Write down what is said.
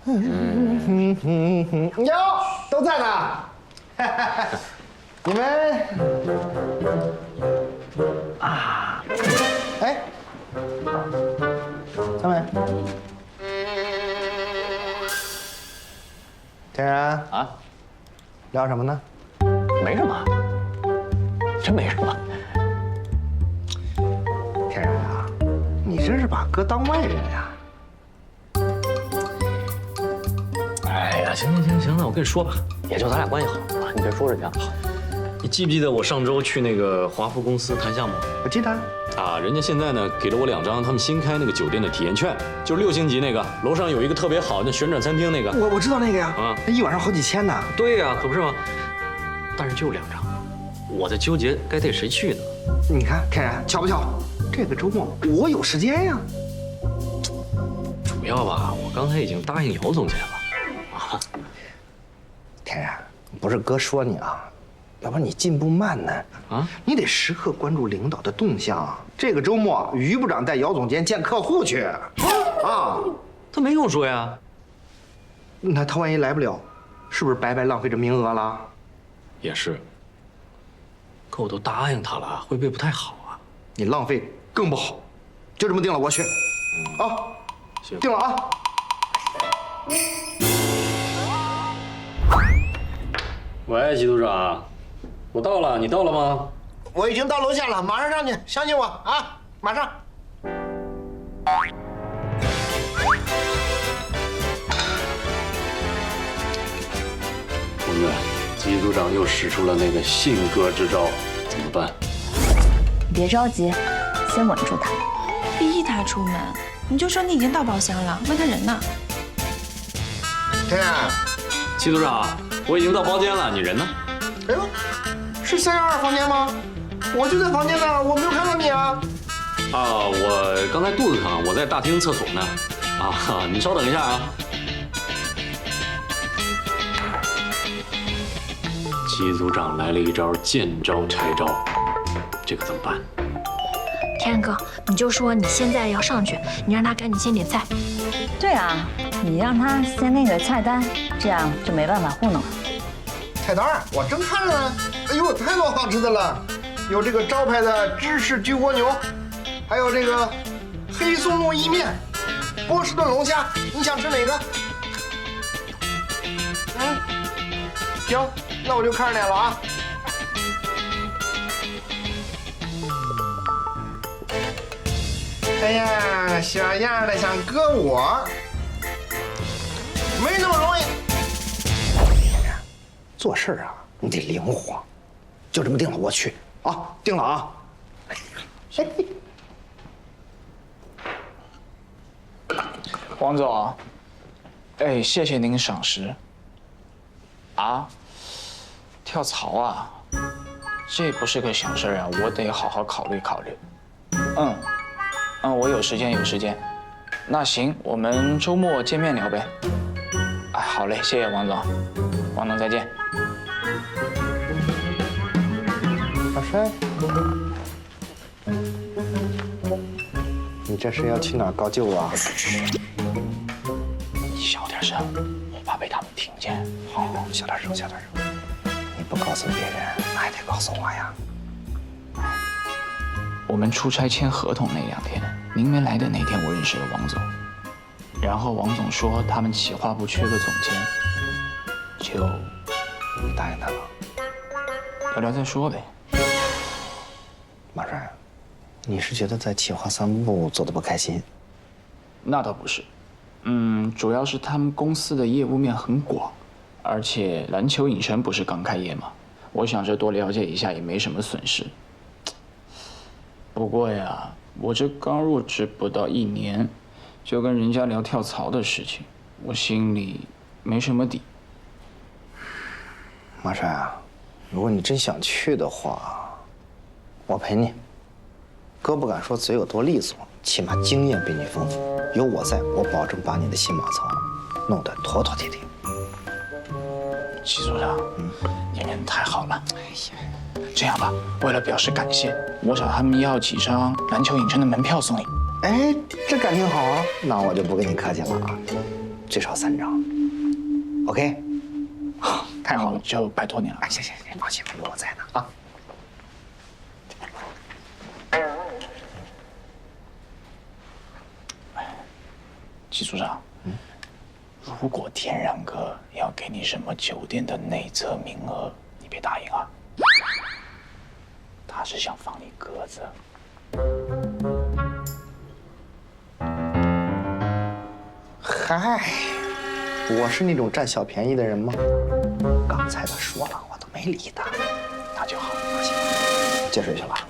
哟，都在呢。你们啊，哎，小美，天然啊， 聊什么呢？ 没什么，真没什么。 天然啊，你真是把哥当外人呀！ 哎呀，行，那我跟你说吧，也就咱俩关系好啊，你别说人家。好，你记不记得我上周去那个华福公司谈项目？ 我记得。 啊，人家现在呢给了我2张他们新开那个酒店的体验券，就是6星级那个，楼上有一个特别好那旋转餐厅那个。 我知道那个呀， 啊， 那一晚上好几千呢。 对呀，可不是吗？但是就2张，我在纠结该带谁去呢。 你看，天然巧不巧？这个周末我有时间呀。 主要吧，我刚才已经答应姚总监了。啊， 天然，不是哥说你啊，要不然你进步慢呢。啊，你得时刻关注领导的动向。这个周末，于部长带姚总监见客户去。啊， 他没跟我说呀。 那他万一来不了，是不是白白浪费这名额了？ 也是。可我都答应他了，会不会不太好啊？ 你浪费更不好。就这么定了，我去。啊， 行， 定了啊。 喂，季组长，我到了，你到了吗？ 我已经到楼下了，马上上去，相信我啊，马上。 同志，季组长又使出了那个信鸽之招，怎么办？ 你别着急，先稳住他。 逼他出门，你就说你已经到包厢了，问他人呢？ 天然， 季组长，我已经到包间了，你人呢？ 哎呦，是312房间吗？我就在房间呢，我没有看到你啊。 啊，我刚才肚子疼，我在大厅厕所呢。啊，你稍等一下啊。季组长来了一招见招拆招，这可怎么办？ 天然哥，你就说你现在要上去，你让他赶紧先点菜。 对啊，你让他先那个菜单，这样就没办法糊弄了。 菜单我正看着呢。哎呦，太多好吃的了，有这个招牌的芝士焗蜗牛，还有这个黑松露意面，波士顿龙虾，你想吃哪个？行，那我就看着你了啊。哎呀，小样的想割我，没那么容易。做事啊，你得灵活。就这么定了，我去啊，定了啊。 王总，哎，谢谢您赏识。啊，跳槽啊，这不是个小事啊，我得好好考虑考虑。我有时间。那行，我们周末见面聊呗。哎，好嘞，谢谢王总，王总再见。 老帅，你这是要去哪儿高就啊？ 你小点声，我怕被他们听见。 好，小点声。你不告诉别人，还得告诉我呀。 我们出差签合同那2天，您没来的那天，我认识了王总。然后王总说他们企划部缺个总监，就答应他了。 聊聊再说呗。 马帅，你是觉得在企划3部做的不开心？ 那倒不是，主要是他们公司的业务面很广，而且篮球影城不是刚开业吗？我想着多了解一下也没什么损失。不过呀，我这刚入职不到1年，就跟人家聊跳槽的事情，我心里没什么底。 马帅啊，如果你真想去的话，我陪你。哥不敢说嘴有多利索，起码经验比你丰富。有我在，我保证把你的新马槽弄得妥妥帖帖。 季组长，你人太好了。哎呀，这样吧，为了表示感谢，我找他们要几张篮球影城的门票送你。 哎，这感情好啊，那我就不跟你客气了啊。 最少3张。OK？ 太好了，就拜托你了。 哎，行，放心吧，有我在呢啊。 季组长，如果天然哥要给你什么酒店的内测名额，你别答应啊。他是想放你鸽子。 嗨，我是那种占小便宜的人吗？刚才他说了，我都没理他。 那就好， 放心，接水去了。